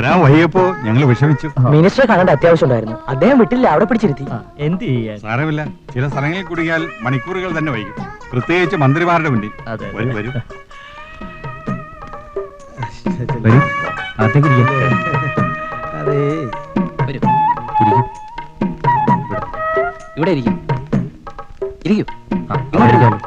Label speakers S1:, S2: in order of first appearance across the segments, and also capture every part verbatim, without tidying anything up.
S1: വരാൻ വൈകിയപ്പോ ഞങ്ങൾ വിഷമിച്ചു.
S2: മിനിസ്റ്ററെ കാണേണ്ട അത്യാവശ്യം ഉണ്ടായിരുന്നു. അദ്ദേഹം വിട്ടില്ല, അവിടെ പിടിച്ചിരുത്തി.
S3: എന്ത് ചെയ്യാൻ?
S1: സാരമില്ല, ചില സ്ഥലങ്ങളിൽ കുടുങ്ങിയാൽ മണിക്കൂറുകൾ തന്നെ വൈകും, പ്രത്യേകിച്ച് മന്ത്രിമാരുടെ മുന്നിൽ.
S3: അതെ.
S1: വരൂ വരൂ
S3: വരൂ, അകത്തേക്ക് ഇരിക്കാം.
S2: അതെ,
S3: വരൂ, ഇരിക്കും. ഇവിടെ ഇരിക്കും. ഇരിക്കും. ഇവിടെ ഇരിക്കാമല്ലോ.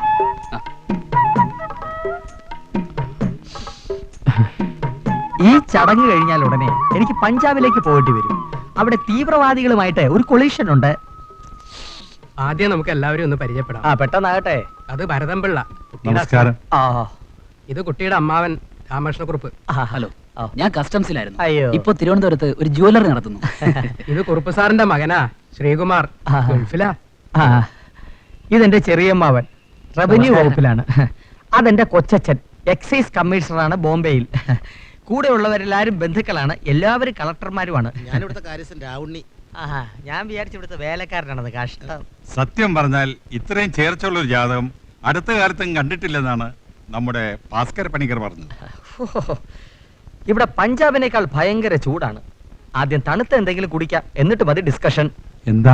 S3: ഈ ചടങ്ങ് കഴിഞ്ഞാൽ ഉടനെ എനിക്ക് പഞ്ചാബിലേക്ക് പോയിട്ട് വരും. അവിടെ തീവ്രവാദികളുമായിട്ട് ഒരു കൊളീഷൻ ഉണ്ട്.
S4: ആദ്യം നമുക്ക് എല്ലാവരും ഒന്ന് പരിചയപ്പെടാം.
S2: ആ പെട്ടെന്നാകട്ടെ.
S4: അത് ഭരതംപിള്ള.
S1: നമസ്കാരം.
S2: ആ
S4: ഇത് കുട്ടിയുടെ അമ്മാവൻ രാമകൃഷ്ണക്കുറുപ്പ്.
S3: ഹലോ, ഞാൻ കസ്റ്റംസിലായിരുന്നു.
S2: അയ്യോ.
S3: ഇപ്പൊ തിരുവനന്തപുരത്ത് ഒരു ജുവലറി നടത്തുന്നു.
S4: ഇത് കുറുപ്പ് സാറിന്റെ മകനാ ശ്രീകുമാർ. ഗൾഫിലാ.
S2: ആ ഇതെന്റെ ചെറിയമ്മാവൻ, റവന്യൂ വകുപ്പിലാണ്. അതെന്റെ കൊച്ചച്ഛൻ, എക്സൈസ് കമ്മീഷണറാണ് ബോംബെയിൽ. കൂടെ ഉള്ളവരെല്ലാരും ബന്ധുക്കളാണ്, എല്ലാവരും കളക്ടർമാരുമാണ്.
S5: ഞാനിവിടുത്തെ കാര്യസ്ഥൻ രാവുണ്ണി.
S2: ആഹാ, ഞാൻ വിചാരിച്ചു ഇവിടുത്തെ വേലക്കാരനാണത്. കഷ്ടം.
S1: സത്യം പറഞ്ഞാൽ ഇത്രയും ചേർച്ചുള്ള ഒരു ജാതകം അടുത്ത കാലത്തും കണ്ടിട്ടില്ലെന്നാണ് നമ്മുടെ ഭാസ്കര പണിക്കർ പറഞ്ഞത്.
S2: ഓഹോ, ഇവിടെ പഞ്ചാബിനേക്കാൾ ഭയങ്കര ചൂടാണ്. ആദ്യം തണുത്ത എന്തെങ്കിലും കുടിക്കാം, എന്നിട്ട് മതി ഡിസ്കഷൻ.
S1: എന്താ?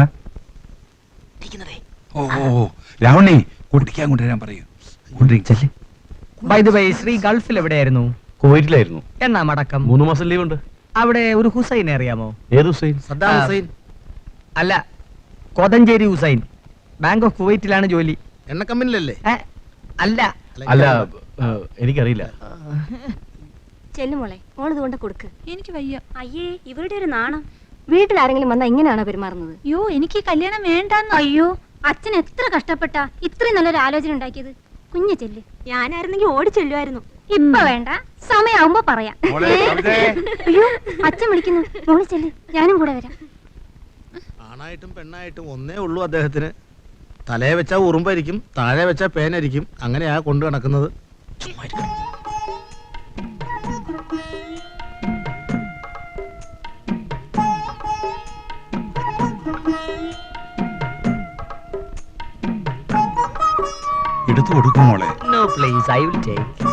S1: ഓ ഓ രാവണി, കുടിക്കാൻ കൊണ്ടുവരാൻ പറയൂ.
S2: ബൈ ദ വേ, ശ്രീ ഗൾഫിൽ എവിടെയായിരുന്നു?
S6: കുവൈറ്റിലായിരുന്നു.
S2: എന്നാ മടക്കം?
S6: മൂന്ന് മാസം ലീവ് ഉണ്ട്.
S2: അവിടെ ഒരു ഹുസൈൻ അറിയാമോ?
S6: ഏത് ഹുസൈൻ?
S5: Saddam Hussein.
S2: അല്ല, കൊതഞ്ചേരി ഹുസൈൻ. ബാങ്ക് ഓഫ് കുവൈറ്റിലാണ് ജോലി.
S5: എണ്ണ കമ്പനിലല്ലേ?
S2: ഏ, അല്ല.
S6: അല്ല, ഏഹ്, എനിക്കറിയില്ല.
S7: ചെല്ലുമോളെ, മോളിത് കൊണ്ട് കൊടുക്ക്. എനിക്ക് വയ്യ. അയ്യേ, ഇവരുടെ ഒരു നാണം. വീട്ടിൽ ആരെങ്കിലും വന്നാ ഇങ്ങനെയാണോ പെരുമാറുന്നത്? അയ്യോ, എനിക്ക് കല്യാണം വേണ്ടെന്ന്. അയ്യോ, അച്ഛൻ എത്ര കഷ്ടപ്പെട്ടാ ഇത്രയും നല്ലൊരു ആലോചന ഉണ്ടാക്കിയത്. കുഞ്ഞു ചെല്ല്. ഞാനായിരുന്നെങ്കിൽ ഓടി ചെല്ലുമായിരുന്നു. ഇപ്പൊ വേണ്ട, സമയാവുമ്പോ പറയാം.
S1: മോളെ, കവിതേ.
S7: അയ്യോ, അച്ഛൻ വിളിക്കുന്നു. മോളി ചെല്ല്, ഞാനും കൂടെ വരാം.
S5: ആണായിട്ടും പെണ്ണായിട്ടും ഒന്നേ ഉള്ളൂ അദ്ദേഹത്തിന്. തലയെ വെച്ചാ ഉറുമ്പായിരിക്കും, താഴെ വെച്ചാ പേനായിരിക്കും. അങ്ങനെയാ കൊണ്ടു നടക്കുന്നത്.
S1: എടുത്തു കൊടുക്കും മോളെ.
S2: No please, I will take.